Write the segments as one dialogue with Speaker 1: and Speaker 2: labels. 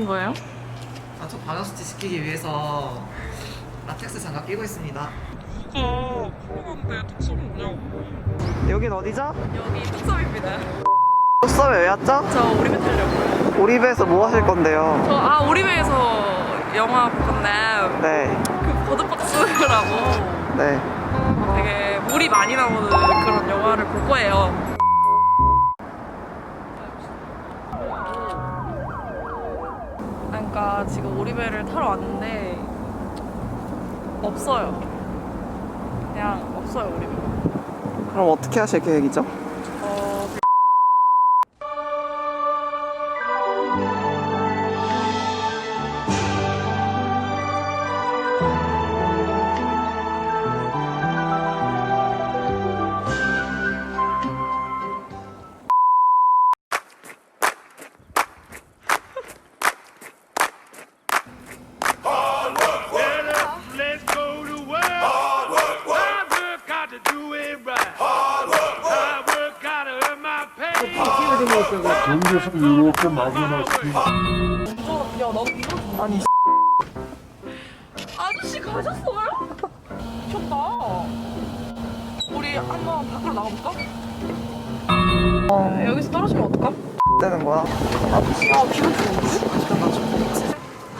Speaker 1: 거예요?
Speaker 2: 저 바가수치 시키기 위해서 라텍스 장갑 끼고 있습니다.
Speaker 1: 그런데 뚝섬이 뭐냐고.
Speaker 2: 여긴 어디죠?
Speaker 1: 여기 뚝섬입니다.
Speaker 2: 뚝섬에 왜 왔죠?
Speaker 1: 저 오리배 타려고요.
Speaker 2: 오리배에서 뭐 하실 건데요?
Speaker 1: 저 오리배에서 영화 볼 건데
Speaker 2: 네.
Speaker 1: 그 버드박스라고
Speaker 2: 네.
Speaker 1: 되게 물이 많이 나오는 그런 영화를 볼 거예요. 그러니까 지금 오리배를 타러 왔는데 없어요. 그냥 없어요, 오리배가.
Speaker 2: 그럼 어떻게 하실 계획이죠?
Speaker 3: 연주에서도 이렇게 막연하시고
Speaker 1: 야, 나도 이거
Speaker 2: 아니
Speaker 1: 아저씨 가셨어요? 미쳤다. 우리 한번 밖으로 나가볼까? 여기서 떨어지면 어떡함?
Speaker 2: 되는 거야?
Speaker 1: 비가 좋은데?
Speaker 2: 잠깐만 좀.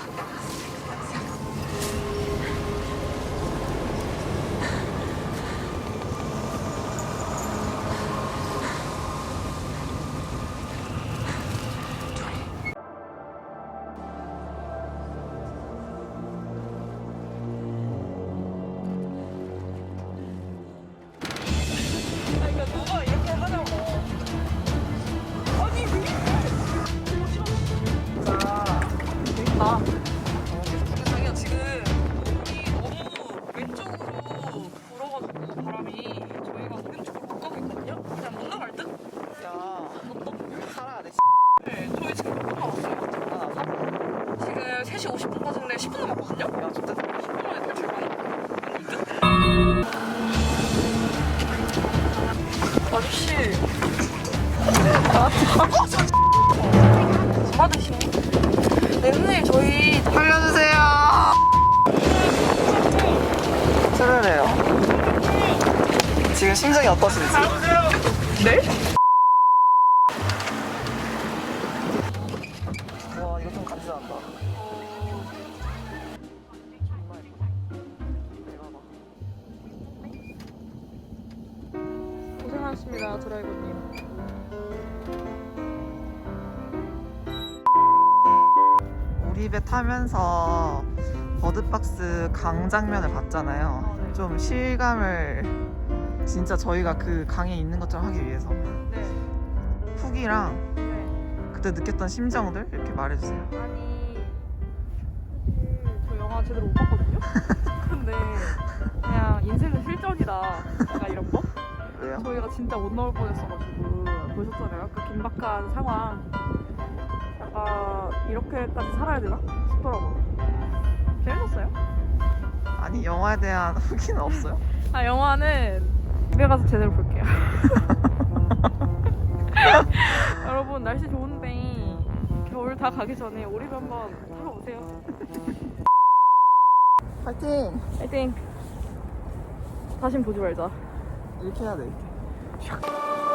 Speaker 1: 그러니까 누가 이렇게 하냐고. 아니 왜 이래? 자, 재밌다. 자기가 지금 여기 너무 왼쪽으로 불어가지고 바람이 저희가 오른쪽으로 못 가고 있거든요? 그냥 못 나갈 듯?
Speaker 2: 야 살아야 돼.
Speaker 1: 네, 저희 지금 몇 분 남았어요? 지금 3시 50분까지인데 10분 남았거든요?
Speaker 2: 야 진짜
Speaker 1: 10분 만에 탈출 가능? 아저씨 받으시네. 네, 선생님 저희
Speaker 2: 살려주세요. 출혈해요. 지금 심정이 어떠신지?
Speaker 1: 네?
Speaker 2: 와 이거 좀 간지난다.
Speaker 1: 고생하셨습니다, 드라이버님.
Speaker 2: 오리배 타면서 버드박스 강 장면을 봤잖아요.
Speaker 1: 네.
Speaker 2: 좀 실감을 진짜 저희가 그 강에 있는 것처럼 하기 위해서
Speaker 1: 네.
Speaker 2: 후기랑
Speaker 1: 네.
Speaker 2: 그때 느꼈던 심정들 이렇게 말해주세요.
Speaker 1: 아니 사실 저 영화 제대로 못 봤거든요? 근데 그냥 인생은 실전이다 약간 이런 거?
Speaker 2: 왜요?
Speaker 1: 저희가 진짜 못 나올 뻔했어가지고 보셨잖아요. 아까 긴박한 상황. 약간 이렇게까지 살아야 되나 싶더라고요. 재밌었어요?
Speaker 2: 아니 영화에 대한 후기는 없어요?
Speaker 1: 아, 영화는 집에 가서 제대로 볼게요. 여러분 날씨 좋은데 겨울 다 가기 전에 오리배 한번 타러 오세요.
Speaker 2: 파이팅!
Speaker 1: 파이팅. 다신 보지 말자.
Speaker 2: 이렇게 해야 돼. 이렇게.